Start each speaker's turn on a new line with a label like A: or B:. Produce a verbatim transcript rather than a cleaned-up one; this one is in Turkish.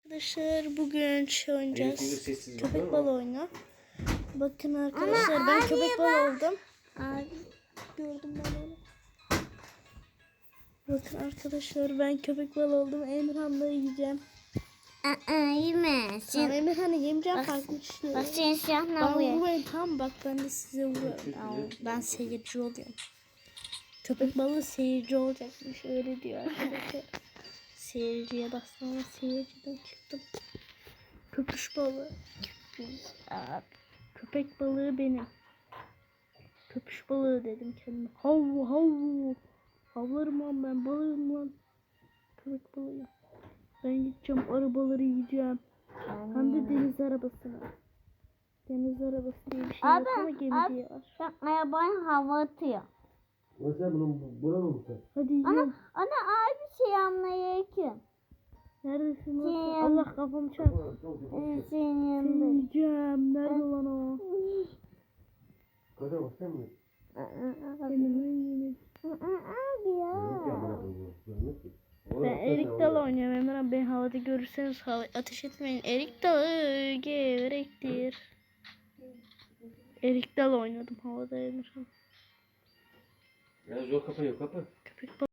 A: Arkadaşlar bugün şey oynayacağız.
B: sessiz
A: Köpek
B: bakma.
A: balığı oyunu. Bakın arkadaşlar ben köpek balığı oldum.
C: Abi.
A: Gördüm ben onu. Bakın arkadaşlar ben köpek balığı oldum. Emirhan'la yiyeceğim.
C: Aa, yeme.
A: Tamam
C: Sen,
A: Emirhan'ı yemeyeceğim
C: Bak-
A: farklı düşünüyorum.
C: bak sen silahla
A: Bana
C: vuruyor.
A: vurmayın tamam bak ben de size vuruyorum. Aa, ben seyirci oluyorum. Köpek balığı seyirci olacakmış öyle diyor arkadaşlar. Seyirciye bastım ama seyirciden çıktım. Köpüş balığı.
C: Abi.
A: Köpek balığı benim. Köpüş balığı dedim kendime. Hav hav. Havlarım lan ben balığım lan. Köpek balığı. Ben gideceğim arabaları yiyeceğim. Hem de deniz arabasına. Deniz arabası diye bir şey
C: Abi,
A: yok ama gemi
C: abi.
A: diye var.
C: Bak arabanın hava atıyor.
B: Mesela bunun buranın mı sen?
A: Hadi yiyorum.
C: Ana abi şey anlayayım.
A: Neredesin lan?
C: Şey-
A: sen? Allah kafamı çarp.
C: Senin
A: Seni
C: yanında.
A: yiyeceğim. Nerede lan o?
B: Kadir bak sen mi?
A: Benim ben yemek.
C: Abi ya.
B: Yok ya bana bu. Görmez ki.
A: Ben erik dalı oynuyorum Emre. Beni havada görürseniz hava ateş etmeyin. Erik dalı gevrektir. Erik dalı oynadım havada Emre.
B: Ya zor kapı yok kapı.
A: Köpek balığı.